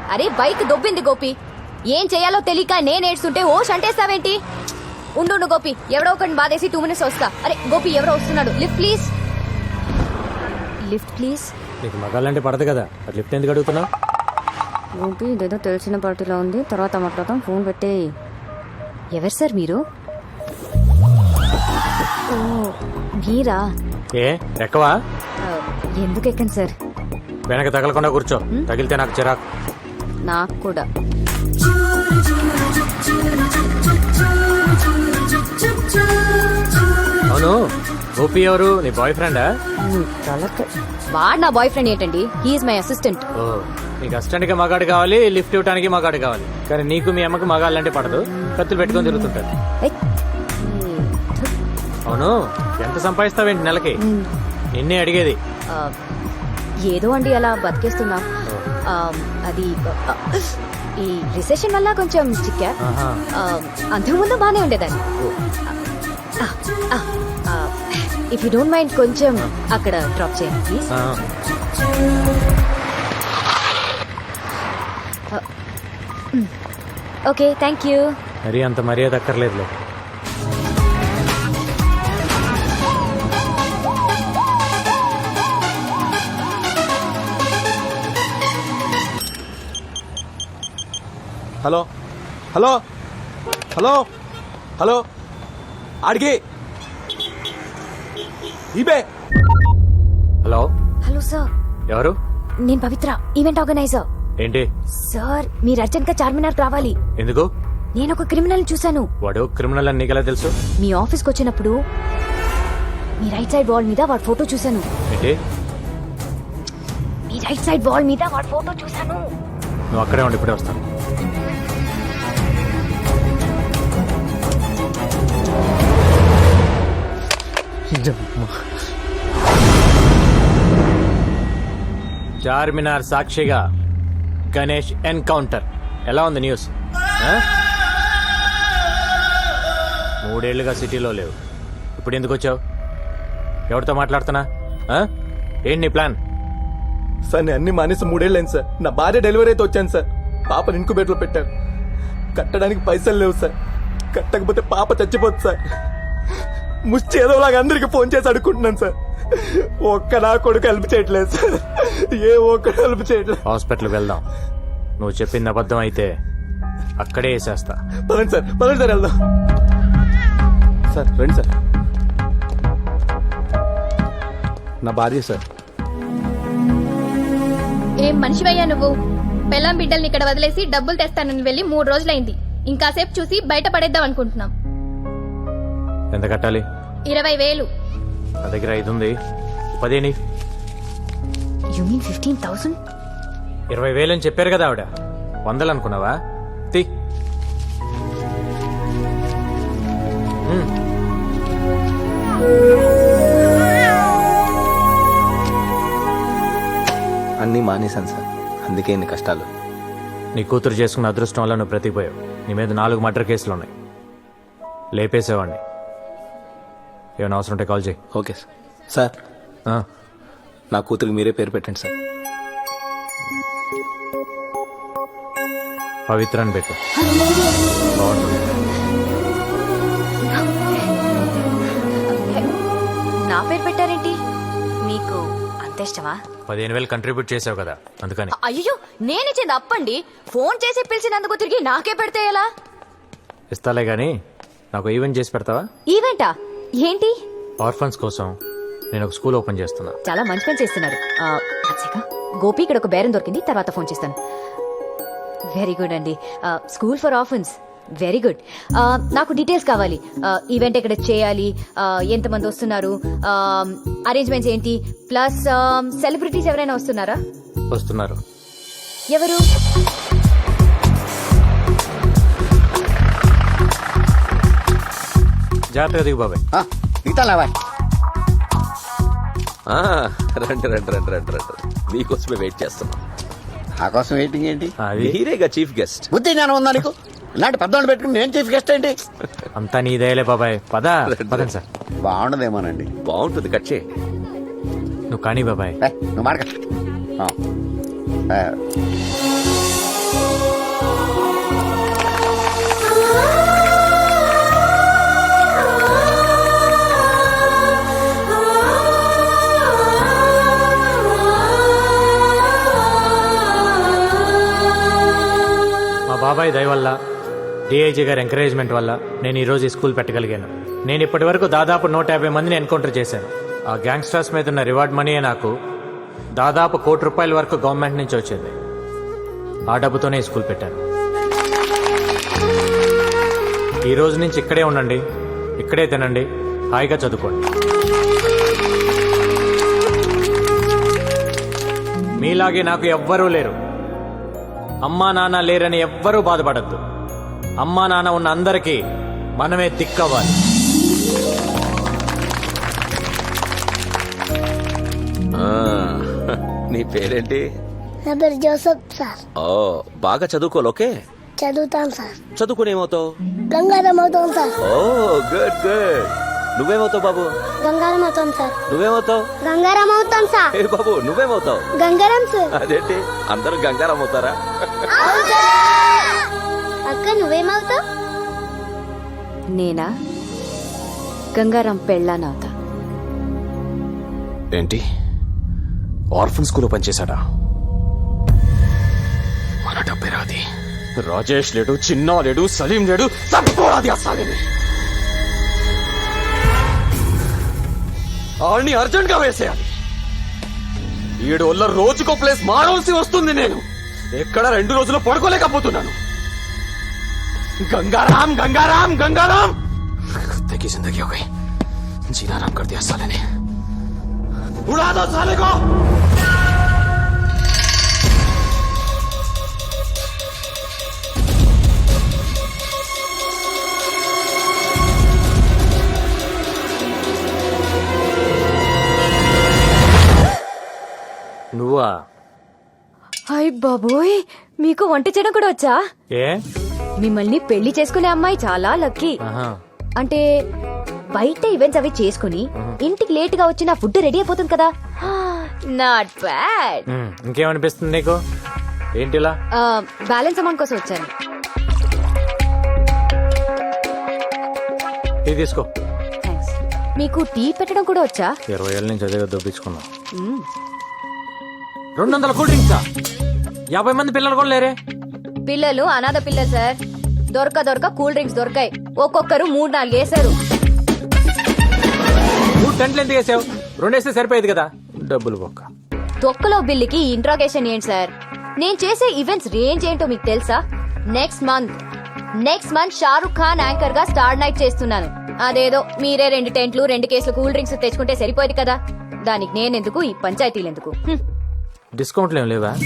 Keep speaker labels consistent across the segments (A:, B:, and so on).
A: అరే బైక్ దొబ్బింది గోపి. ఏం చేయాలో తెలియక నేను ఏడ్చుంటే ఓ షంటేస్తావేంటి? ఉండు గోపి, ఎవడో ఒకటి బాధేసి 2 minutes వస్తా. అరే గోపి, ఎవరో వస్తున్నాడు. Lift please. Lift please.
B: నీకు మగాళ్ళంటే పడదు కదా, అది లిఫ్ట్ ఎందుకు అడుగుతున్నావు?
A: గోపి, ఇదేదో తెలిసిన పార్టీలో ఉంది, తర్వాత మాట్లాడతాం. ఫోన్ పెట్టే. ఎవరు సార్ మీరు? ఓ మీరా?
B: ఏ ఎక్కవా?
A: ఎందుకు ఎక్కండి సార్?
B: వెనక తగలకుండా కూర్చో, తగిలితే నాకు చిరాకు.
A: నాకు కూడా.
B: అవును, గోపి ఎవరు? నీ బాయ్ ఫ్రెండా?
A: వాడు నా బాయ్ ఫ్రెండ్ ఏంటండి? He is my assistant.
B: ఓ, నీకు అసిస్టెంట్ కి మగాడు కావాలి, లిఫ్ట్ ఇవ్వడానికి మగాడు కావాలి. కానీ నీకు మీ అమ్మకి మగాళ్ళంటే పడదు, కత్తులు పెట్టుకొని తిరుగుతుంటారు. అవును, ఎంత సంపాదిస్తావేంటి నెలకి? నిన్నే అడిగేది.
A: ఏదో అండి, అలా బతికేస్తున్నా. అది ఈ రిసెషన్ వల్ల కొంచెం చిక్కా. అంతకుముందు బానే ఉండేదాన్ని. ఇఫ్ యూ డోంట్ మైండ్ కొంచెం అక్కడ డ్రాప్ చేయండి ప్లీజ్. Okay, thank you.
B: మరి అంత మర్యాద అక్కర్లేదులే.
C: హలో హలో హలో హలో ఆడికి ఇబే.
B: హలో
A: హలో సార్,
B: ఎవరు?
A: నేను పవిత్ర, ఈవెంట్ ఆర్గనైజర్.
B: ఏంటి
A: సార్, మీరు అర్జెంట్ గా చార్మినార్ రావాలి.
B: ఎందుకు?
A: నేను ఒక క్రిమినల్ చూశాను.
B: వాడు క్రిమినల్ అని నీకెలా తెలుసు?
A: మీ ఆఫీస్కి వచ్చినప్పుడు మీ రైట్ సైడ్ వాల్ మీద వాడి ఫోటో చూశాను.
B: ఏంటి?
A: మీ రైట్ సైడ్ వాల్ మీద వాడి ఫోటో చూశాను.
B: నువ్వు అక్కడే ఉండి ఇప్పుడే వస్తాను. చార్మినార్ సాక్షిగా గణేష్ ఎన్కౌంటర్. ఎలా ఉంది న్యూస్? 3 ఏళ్లుగా సిటీలో లేవు, ఇప్పుడు ఎందుకు వచ్చావు? ఎవరితో మాట్లాడుతున్నా? ఏంటి నీ ప్లాన్?
C: సార్, నేను అన్ని మానేసి 3 ఏళ్ళైంది సార్. నా భార్య డెలివరీ అయితే వచ్చాను సార్. పాపను ఇంకుబేట్లో పెట్టారు. కట్టడానికి పైసలు లేవు సార్. కట్టకపోతే పాప చచ్చిపోతుంది సార్. ముష్టి ఏదోలాగా అందరికి ఫోన్ చేసి అడుక్కుంటున్నాను సార్. ఒక్క నా కొడుకు హెల్ప్ చేయట్లేదు సార్. ఏ ఒక్కడు హెల్ప్ చేయట్లేదు.
B: హాస్పిటల్కి వెళ్దాం. నువ్వు చెప్పింది అబద్ధం అయితే అక్కడే వేసేస్తా.
C: పదండి సార్, పదండి సార్, వెళ్దాం సార్. రండి సార్. నా భార్య సార్.
D: ఏం మనిషివయ్యా నువ్వు? పెళ్ళాం బిడ్డల్ని ఇక్కడ వదిలేసి డబ్బులు తెస్తానని వెళ్ళి 3 రోజులైంది. ఇంకాసేపు చూసి బయట పడేద్దాం అనుకుంటున్నాం.
B: ఎంత కట్టాలి?
D: 20,000.
B: నా దగ్గర 5 ఉంది. 10
A: You mean 15,000?
B: 20,000 అని చెప్పారు కదా ఆవిడ. 100 అనుకున్నావా? తీ.
C: అన్నీ మానేశాను సార్, అందుకే ఇన్ని కష్టాలు.
B: నీ కూతురు చేసుకున్న అదృష్టం వల్ల నువ్వు బ్రతికిపోయావు. నీ మీద 4 మర్డర్ కేసులు ఉన్నాయి. లేపేసేవాడిని. ఏమైనా అవసరం ఉంటే కాల్ చేయి.
C: Okay sir. సార్, నా కూతురికి మీరే పేరు పెట్టండి సార్.
B: పవిత్ర అని పెట్టు. బాగుంటుంది.
A: నా పేరు పెట్టారేంటి? మీకు అంత ఇష్టమా?
B: 15,000 కంట్రిబ్యూట్ చేసావు కదా, అందుకని.
A: అయ్యో, నేనిచ్చింది అప్పండి. ఫోన్ చేసి పిలిచినందుకు తిరిగి నాకే పెడితే ఎలా?
B: ఇస్తాలే గానీ నాకు ఈవెంట్ చేసి పెడతావా?
A: ఈవెంటా? ఏంటి?
B: ఆర్ఫన్స్ కోసం నేను ఒక స్కూల్ ఓపెన్ చేస్తున్నా.
A: చాలా మంచి పని చేస్తున్నారు. గోపి, ఇక్కడ ఒక బేరం దొరికింది, తర్వాత ఫోన్ చేస్తాను. వెరీ గుడ్ అండి. School for orphans, very good. నాకు డీటెయిల్స్ కావాలి. ఈవెంట్ ఎక్కడ చేయాలి, ఎంతమంది వస్తున్నారు, అరేంజ్మెంట్స్ ఏంటి, ప్లస్ సెలబ్రిటీస్ ఎవరైనా వస్తున్నారా?
B: వస్తున్నారు.
A: ఎవరు?
B: జాగ్రత్తగా దిగు బాబాయ్.
E: రండి రండి రండి రండి రండి. మీకోసమే వెయిట్ చేస్తున్నాం.
F: నా కోసం వెయిటింగ్ ఏంటి?
E: మీరేగా చీఫ్ గెస్ట్.
F: బుద్ధి జ్ఞానం ఉందా నీకు? ఇలాంటి పెద్దవాళ్ళు పెట్టుకుని నేను చీఫ్ గెస్ట్ ఏంటి?
B: అంతా నీదేలే బాబాయ్. పదండి సార్.
F: బాగుండదేమోనండి.
E: బాగుంటుంది, కట్ చేయి.
B: నువ్వు కానీ బాబాయ్.
F: నువ్వు మాట
B: బాబాయ్ దయ వల్ల డిఐజీ గారి ఎంకరేజ్మెంట్ వల్ల నేను ఈరోజు ఈ స్కూల్ పెట్టగలిగాను. నేను ఇప్పటి వరకు దాదాపు 150 మందిని ఎన్కౌంటర్ చేశాను. ఆ గ్యాంగ్స్టర్స్ మీద ఉన్న రివార్డ్ మనీయే నాకు దాదాపు ₹1 కోటి వరకు గవర్నమెంట్ నుంచి వచ్చేది. ఆ డబ్బుతోనే ఈ స్కూల్ పెట్టాను. ఈ రోజు నుంచి ఇక్కడే ఉండండి, ఇక్కడే తినండి, హాయిగా చదువుకోండి. మీలాగే నాకు ఎవ్వరూ లేరు. అమ్మా నాన్న లేరని ఎవ్వరూ బాధపడద్దు. అమ్మా నాన్న ఉన్న అందరికీ మనమే దిక్కవ్వాలి.
E: ఆ, నీ పేరేంటి?
G: నా పేరు జోసఫ్ సార్.
E: ఓ, బాగా చదువుకోవాలి. ఓకే,
G: చదువుతాను సార్.
E: చదువుకుని ఏమవుతావు?
G: గంగారం అవుతాం సార్.
E: Oh good good. నువ్వేమవుతావు బాబు?
G: గంగారం అవుతాం సార్.
E: నువ్వేమవుతావు?
G: గంగారం అవుతాం సార్.
E: ఏ బాబు, నువ్వేమవుతావు?
G: గంగారం సార్.
E: అదేంటి అందరూ గంగారం అవుతారా?
G: అక్క నువ్వేమవుతావు?
A: నేనా గంగారాం పెళ్ళానవుతా.
H: ఏంటి ఆర్ఫన్ స్కూల్లో పనిచేశాడా? మన డబ్బే రాది. రాజేష్ లేడు, చిన్నా లేడు, సలీం లేడు, తట్టుకోరాది ఆ సాలిని. ఆడిని అర్జెంట్ గా వేసేయాలి. 7 వల్ల రోజుకో ప్లేస్ మారవలసి వస్తుంది. నేను ఎక్కడ 2 రోజులు పడుకోలేకపోతున్నాను. गंगाराम गंगाराम गंगाराम कुत्ते की जिंदगी हो गई. जीना आराम कर दिया साले ने. उड़ा दो साले को.
B: నువ్వా?
A: హాయ్ బాబోయ్, మీకు వంట చేయడం కూడా వచ్చా?
B: ఏ?
A: మిమ్మల్ని పెళ్లి చేసుకునే అమ్మాయి చాలా లక్కీ.
B: ఆహా.
A: అంటే బయట ఈవెంట్స్ అవి చేసుకుని ఇంటికి లేట్ గా వచ్చి నా ఫుడ్ రెడీ అయిపోతుంది కదా. Not bad.
B: ఇంకేమనిపిస్తుంది నీకు? ఏంటిలా?
A: బ్యాలెన్స్ అమౌంట్ కోసం వచ్చాను.
B: ఇది తీసుకో.
A: థ్యాంక్స్. మీకు టీ పెట్టడం కూడా వచ్చా?
B: 20 ఏళ్ళ నుంచి అదే దొప్పించుకున్నా. 200 కూల్ డ్రింక్సా? 50 మంది పిల్లలు కూడా లేరే.
A: పిల్లలు అనాథ పిల్లలు సార్. దొరక కూల్ డ్రింక్స్ దొరకాయి. ఒక్కొక్కరు 3-4 వేశారు.
B: 3 టెంట్లు ఎందుకు వేసావు? 2 వేస్తే సరిపోయేది కదా. డబ్బులు బొక్క.
A: తొక్కలో బిల్లుకి ఇంట్రాగేషన్ ఏంటి సార్? నేను చేసే ఈవెంట్స్ రేంజ్ ఏంటో మీకు తెలుసా? Next month Shahrukh Khan anchor గా స్టార్ నైట్ చేస్తున్నాను. అదేదో మీరే 2 టెంట్లు 2 కేసులు కూల్ డ్రింక్స్ తెచ్చుకుంటే సరిపోయేది కదా. దానికి నేనెందుకు, ఈ పంచాయతీలు ఎందుకు?
B: డిస్కౌంట్లు ఏం లేవా?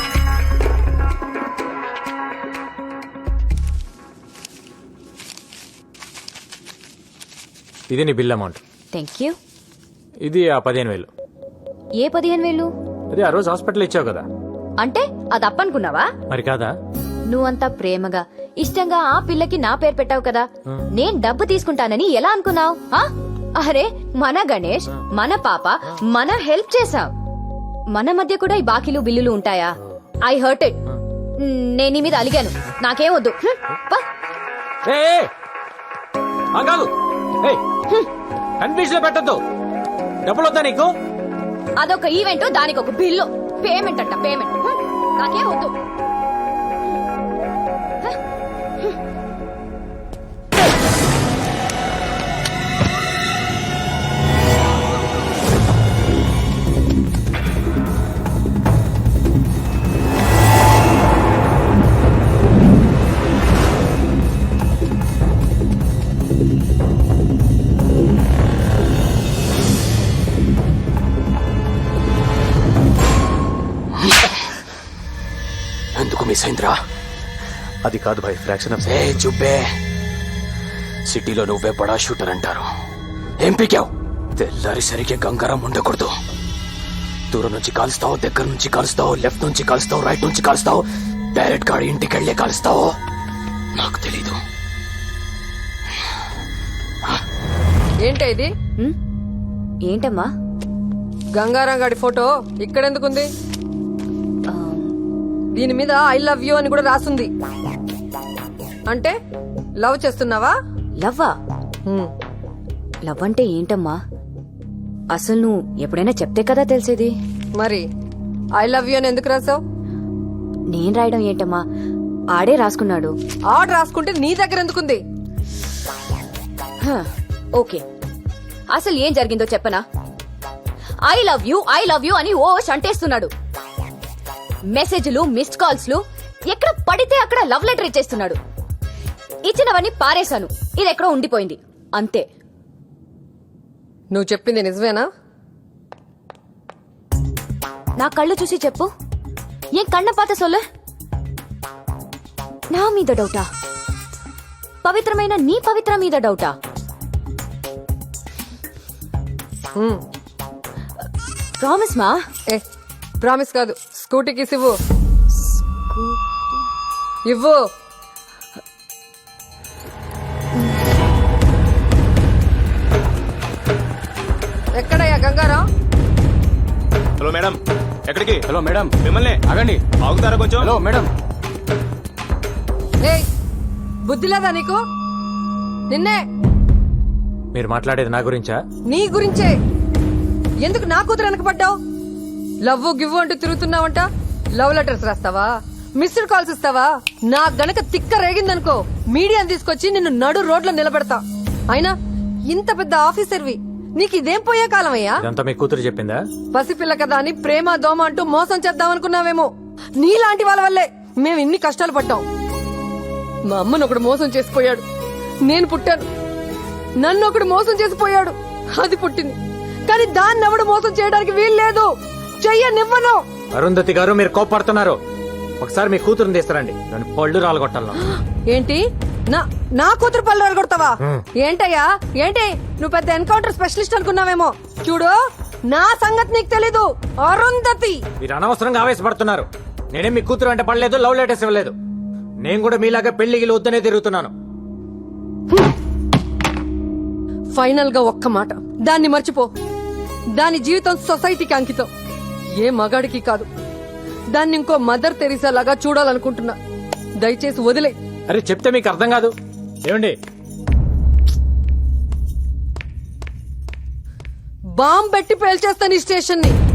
B: ఇది నీ బిల్ అమౌంట్.
A: Thank you.
B: ఇది ఆ 15,000.
A: ఏ 15,000?
B: అది ఆ రోజు హాస్పిటల్ ఇచ్చావు కదా.
A: అంటే అది అప్పనుకున్నావా?
B: మరి కాదా?
A: నువ్వంతా ప్రేమగా ఇష్టంగా ఆ పిల్లకి నా పేరు పెట్టావు కదా. నేను డబ్బు తీసుకుంటానని ఎలా అనుకున్నావు? అరే మన గణేష్, మన పాప, మన హెల్ప్ చేసావు. మన మధ్య కూడా ఈ బాకీలు బిల్లులు ఉంటాయా? I hurt it. నేను నీ మీద అలిగాను. నాకేం వద్దు.
B: కన్ఫ్యూజన్ లో పెట్టద్దు. డబ్బులు వద్దా నీకు?
A: అదొక ఈవెంట్, దానికి ఒక బిల్లు. పేమెంట్ అంట పేమెంట్. నాకేం వద్దు.
H: ఎందుకు మిస్ అయిందిరా?
C: అది కాదు భాయ్, ఫ్రాక్షన్ ఆఫ్.
H: ఏ చుబ్బే, సిటీలో నువ్వే బడా షూటర్ అంటారు. ఏం పీకావు? తెల్లారిసరికి గంగారం ఉండకూడదు. దూరం నుంచి కాలుస్తావు, దగ్గర నుంచి కాలుస్తావు, లెఫ్ట్ నుంచి కాలుస్తావు, రైట్ నుంచి కాలుస్తావు, డైరెక్ట్ గా ఇంటికి వెళ్లే కాలుస్తావు. నాకు తెలీదు.
I: ఏంటి ఇది?
A: ఏంటమ్మా?
I: గంగారాం గాడి ఫోటో ఇక్కడెందుకుంది? దీని మీద ఐ లవ్ యూ అని కూడా రాసుంది. అంటే లవ్ చేస్తున్నావా?
A: లవ్వా? లవ్ అంటే ఏంటమ్మా? అసలు నువ్వు ఎప్పుడైనా చెప్తే కదా తెలిసేది.
I: మరి ఐ లవ్ యూ అని ఎందుకు రాసావు?
A: నేను రాయడం ఏంటమ్మా? ఆడే రాసుకున్నాడు.
I: ఆర్డర్ రాసుకుంటే నీ దగ్గర ఎందుకుంది?
A: హ, ఓకే, అసలు ఏం జరిగిందో చెప్పనా? ఐ లవ్ యూ అని ఓ అంటేస్తున్నాడు. మెసేజ్లు, మిస్డ్ కాల్స్లు, ఎక్కడ పడితే అక్కడ లవ్ లెటర్ ఇచ్చేస్తున్నాడు. ఇచ్చినవన్నీ పారేశాను, ఇది ఎక్కడో ఉండిపోయింది అంతే.
I: నువ్వు చెప్పింది నిజమేనా?
A: నా కళ్ళు చూసి చెప్పు, ఏం కన్న పాత సొల్ల? నా మీద డౌటా? పవిత్రమైన నీ పవిత్ర మీద డౌటా? ప్రామిస్ మా.
I: ఏ ప్రామిస్ కాదు, స్కూటీకి ఇవ్వు. ఇవ్వు. ఎక్కడయ్యా గంగారాం?
C: హలో మేడం, ఎక్కడికి?
H: హలో మేడం,
C: మిమ్మల్ని
H: ఆగండి.
C: ఆగుతారా కొంచెం?
H: హలో మేడం,
I: ఏయ్, బుద్ధి లేదా నీకు? నిన్నే.
B: మీరు మాట్లాడేది నా గురించా?
I: నీ గురించే. ఎందుకు నా కూతురు వెనకపడ్డావు? లవ్ గివ్ అంటూ తిరుగుతున్నావంట. లవ్ లెటర్స్ రాస్తావా? మిస్డ్ కాల్స్ ఇస్తావా? నా గనక తిక్క రేగిందనుకో, మీడియాని తీసుకొచ్చి నిన్ను నడు రోడ్లో నిలబెడతా. అయినా ఇంత పెద్ద ఆఫీసర్వి, నీకు ఇదేం పోయే కాలమయ్యా?
B: ఇదంతా మీ కూతురు చెప్పిందా?
I: పసిపిల్ల కదా అని ప్రేమ దోమ అంటూ మోసం చేద్దామనుకున్నావేమో. నీలాంటి వాళ్ళ వల్లే మేము ఇన్ని కష్టాలు పడ్డాం. మా అమ్మను ఒకడు మోసం చేసిపోయాడు, నేను పుట్టాను. నన్ను ఒకడు మోసం చేసిపోయాడు, అది పుట్టింది. కానీ దాన్ని ఎవడు మోసం చేయడానికి వీల్లేదు. చెయ్యనివ్వను.
B: అరుంధతి గారు, మీరు కోప్పడుతున్నారు. ఒకసారి మీ కూతురుని తీస్తారండి, దాని పళ్ళు రాలగొట్టాలను.
I: ఏంటి? నా కూతురు పళ్ళు అడగొడతావా? ఏంటయ్యా ఏంటి? నువ్వు పెద్ద ఎన్కౌంటర్ స్పెషలిస్ట్ అనుకున్నావేమో. చూడు, నా సంగతి నీకు తెలీదు. అరుంధతి,
B: మీరు అనవసరంగా ఆవేశపడుతున్నారు. నేనేం మీ కూతురు అంటే పడలేదు, లవ్ లెటర్స్ ఇవ్వలేదు. నేను కూడా మీలాగా పెళ్లికి వద్దనే తిరుగుతున్నాను.
I: ఫైనల్ గా ఒక్క మాట, దాన్ని మర్చిపో. దాని జీవితం సొసైటీకి అంకితం, ఏ మగాడికి కాదు. దాన్ని ఇంకో మదర్ తెరీసా లాగా చూడాలనుకుంటున్నా. దయచేసి వదిలే.
B: అరే చెప్తే మీకు అర్థం కాదు. ఏమండి,
I: బాంబ్ పెట్టి పేల్చేస్తాను ఈ స్టేషన్ ని.